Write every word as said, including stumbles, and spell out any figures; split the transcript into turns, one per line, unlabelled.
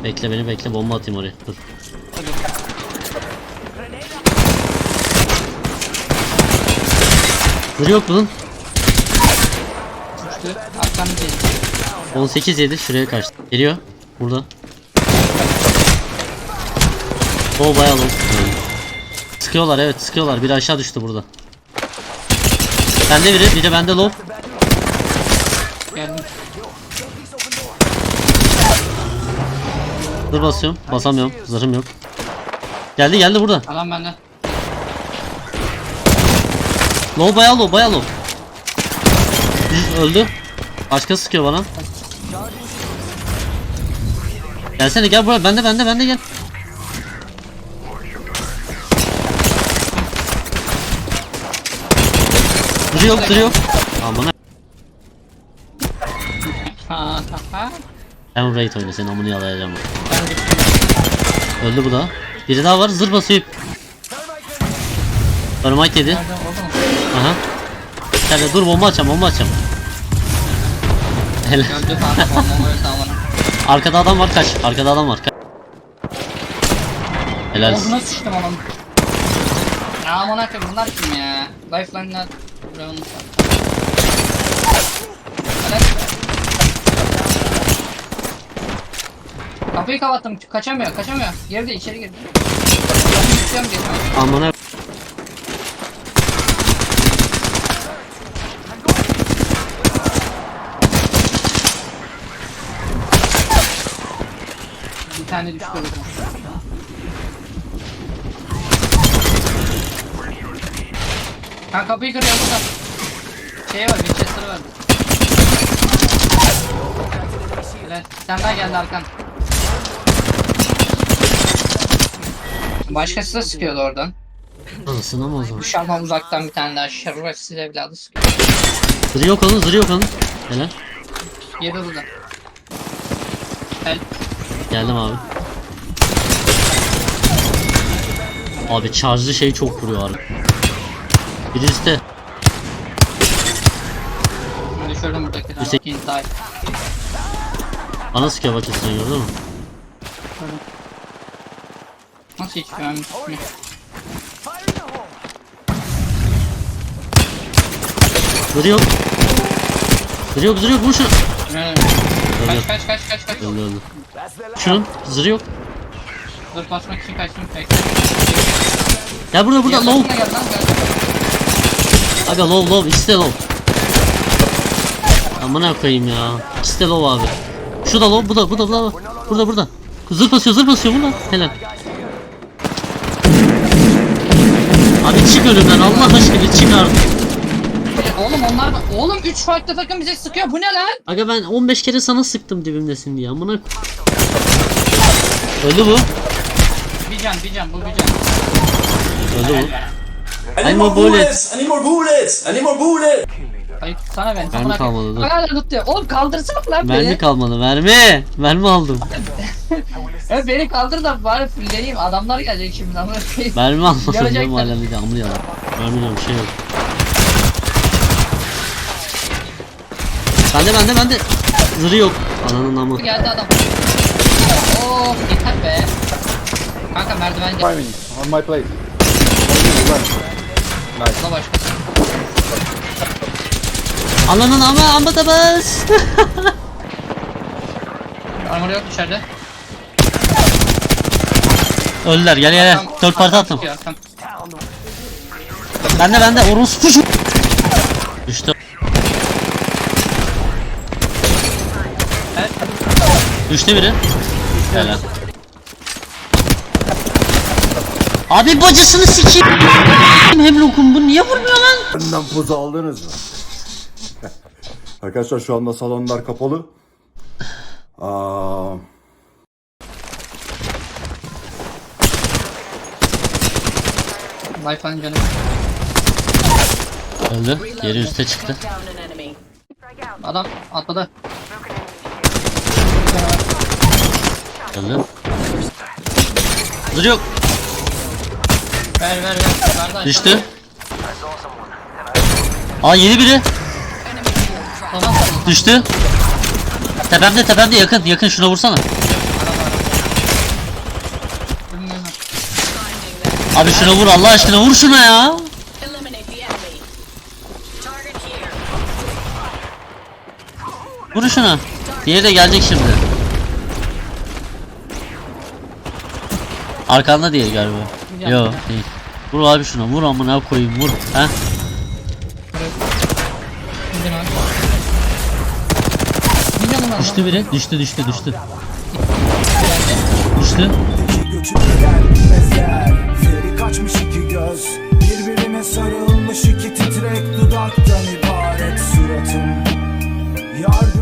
Bekle beni bekle, bomba atayım oraya. Dur. Dur yok bunun. on sekiz yedi şuraya kaçtı. Geliyor. Burada. O bayağı long. Sıkıyorlar, evet sıkıyorlar. Biri aşağı düştü burada. Bende biri, bir de bende low.
Geldim.
Dur basıyorum. Basamıyorum. Zırhım yok. Geldi geldi burada.
Alan bende.
Low bayağı low bayağı low. Öldü. Başka sıkıyor bana. Gelsene gel buraya. Bende bende bende gel. Duru yok duru yok. Aman.
Ha ha.
Ben raid oyna, senin amını yalayacağım. Öldü bu da. Biri daha var, zırh basıyor. Dynamite yedi. Aha. Gel dur, bomba açacağım bomba açacağım. Helal. Arkada adam var, kaç. Arkada adam var, kaç. Helal.
Ağzına sıçtım oğlum. Ya aman akıllı bunlar kim ya? Lifeline'lar. Brown. Kapıyı kapattım, kaçamıyor, kaçamıyor. Girdi, içeri girdi. Kapıyı tutuyorum, geçmem.
Amına.
Bir tane düştü orada. Ben kapıyı kırıyorum burada. Şey var, Winchester var. Evet, sen daha geldi arkan. Başkası da sıkıyordu oradan.
Anasını ama o zaman.
Dışarıdan uzaktan bir tane daha şerefsiz evladı sıkıyor.
Zırh yok onun, zırh yok onun. Helal.
Yedi burada. Help.
Geldim abi. Abi charge'lı şey çok vuruyor abi. Biri üstte.
Düşürdüm buradakiler.
Üstte.
Inside.
Bana sıkıyor bak üstüne, gördün mü?
Nasıl hiç güvenmiş mi?
Zırh yok. Zırh yok, zırh yok, vur şunu.
Evet. Kaç kaç kaç kaç kaç.
Öldü öldü. Şunun zırh yok.
Dur basmak için kaçtım bekle.
Gel burada burada
Yakasına
low.
gel lan, gel.
Aga low low, ikisi de low. Amına koyayım ya. İkisi de low abi. Şu da low, bu da bu da bu da. Burada burada. Zırh basıyor zırh basıyor burada. Helal. Abi çık önümden Allah aşkına, çık artık.
Oğlum onlar da... Oğlum üç farklı takım bize sıkıyor, bu ne lan?
Aga ben on beş kere sana sıktım dibimdesin diye, amına. Öldü bu.
Bir can bir can bu bir can.
Öldü bu.
I need more bullets! I need more bullets! I need more bullets!
Hayır sana ben.
Mermi kalmadı, dur.
Hala tutuyor. Oğlum kaldırsana lan beni.
Mermi kalmadı, mermi. Mermi aldım.
Evet beni kaldır da bari fulleyeyim. Adamlar gelecek şimdi ama.
Mermi almadım
Yarayacaklar.
diyorum hala, bir de amına yalan. Mermi yok, bir şey yok. Bende bende bende. Zırı yok. Ananın amı.
Geldi adam. Oh yeter be. Kanka merdiven geldi.
Five minutes on my place.
Nice. Başkası.
Ananın ama amma da bas.
Armor yok içeride.
Öldüler, gel gel gel. Dört parti attım.
Çıkıyor, arkam.
Bende bende orospu. Düştü.
Evet.
Düştü biri. Helal. Abi bacısını sikeyim. Hemlock'um, bu niye vurmuyor lan?
Benden poz aldınız mı? Arkadaşlar şu anda salonlar kapalı. Aa,
Wi-Fi'nin canı.
Öldü. Yeri üste çıktı.
Adam atladı.
Öldü. Dur yok.
Ver ver ver. Ver, ver.
Düştü. Aa yeni biri.
Tamam.
Düştü. Tepemde tepemde yakın yakın, şuna vursana. Abi şuna vur Allah aşkına vur şuna ya.
Eliminate the enemy. Target here.
Vur şuna. Diğeri de gelecek şimdi. Arkanda diye galiba. Yo değil. Vur abi şuna vur amına koyayım vur. Ha?
Gidin abi. Milyonum var lan.
Düştü biri. Düştü düştü düştü. Düştü.
Göçüp gider bilmezler. Feri kaçmış iki göz, birbirine sarılmış iki titrek dudaktan ibaret suratım. Yardım